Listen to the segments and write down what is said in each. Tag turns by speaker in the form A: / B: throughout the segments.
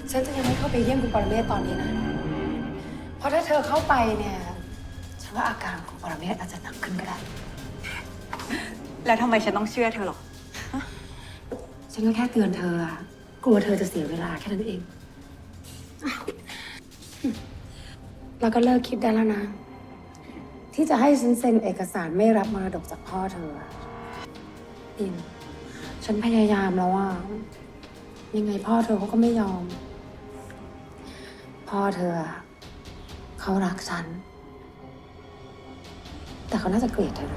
A: ฉันจะยังไม่เข้าไปเยี่ยมคุณปรเมศตอนนี้นะ เพราะถ้าเธอเข้าไปเนี่ย ฉันว่าอาการของคุณปรเมศอาจจะหนักขึ้นก็ได้
B: แล้วทำไมฉันต้องเชื่อเธอหรอ
A: ฉันก็แค่เตือนเธออะกลัวเธอจะเสียเวลาแค่นั้นเอง แล้วก็เลิกคิดได้แล้วนะ ที่จะให้ฉันเซ็นเอกสารไม่รับมรดกจากพ่อเธออินฉันพยายามแล้วว่ายังไงพ่อเธอเขาก็ไม่ยอม พ่อเธอเขารักฉัน แต่เขาน่าจะเกลียดเธอ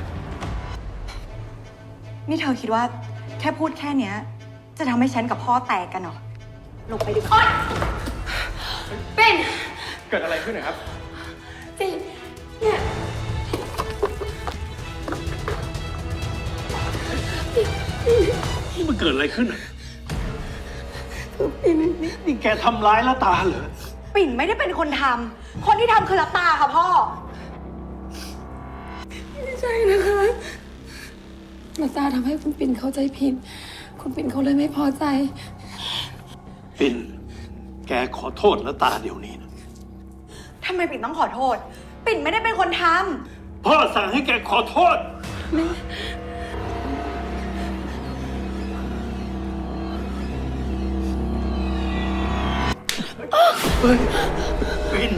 B: นี่เธอคิดว่าแค่พูดแค่เนี้ย จะทำให้ฉันกับพ่อแตกกันเหรอ ลงไปดีกว่า
A: เป็น
C: เกิดอะไรขึ้นนะครับ
A: เป็นเนี่ย
D: นี่มันเกิดอะไรขึ้นอ่ะนี่แกทำร้ายละตาเหรอ
B: ปิ่นไม่ได้เป็นคนทำ คนที่ทำคือลับตาค่ะพ่อ
A: ไม่ใช่นะคะมาตาทำให้คุณปิ่นเข้าใจผิด คุณปิ่นเขาเลยไม่พอใจ
D: ปิ่น แกขอโทษละตาเดี๋ยวนี้นะ
B: ทำไมปิ่นต้องขอโทษ ปิ่นไม่ได้เป็นคนท
D: พ่อสั่งให้แกขอโทษ ปิ่น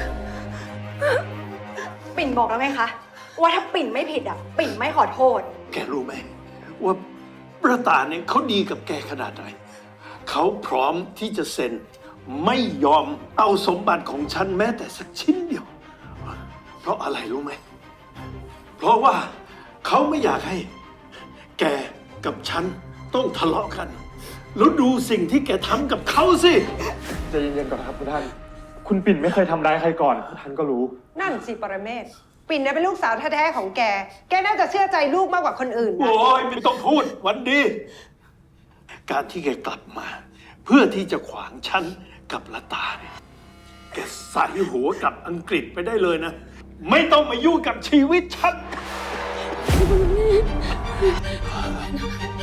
B: ำ ปิ่นบอกแล้วไงคะ ว่าถ้าปิ่นไม่ผิดอ่ะ ปิ่นไม่ขอโทษ
D: แกรู้ไหมว่าละตาเนี่ยเขาดีกับแกขนาดไหน เขาพร้อมที่จะเซ็นไม่ยอมเอาสมบัติของฉันแม้แต่สักชิ้นเดียว เพราะอะไรรู้ไหม เพราะว่าเขาไม่อยากให้ แกกับฉันต้องทะเลาะกัน แล้วดูสิ่งที่แกทำกับเขาสิ
C: ใจเย็นๆก่อนครับคุณท่าน คุณปิ่นไม่เคยทำร้ายใครก่อนท่านก็รู้
E: นั่นสิปรเมศปิ่นเนี่ยเป็นลูกสาวแท้ๆของแก แกน่าจะเชื่อใจลูกมากกว่าคนอื่นนะ
D: โอ้ยไม่ต้องพูดวันดี การที่แกกลับมา เพื่อที่จะขวางฉันกับละตาเนี่ยแกใส่หัวกลับอังกฤษไปได้เลยนะ ไม่ต้องมายุ่งกับชีวิตฉัน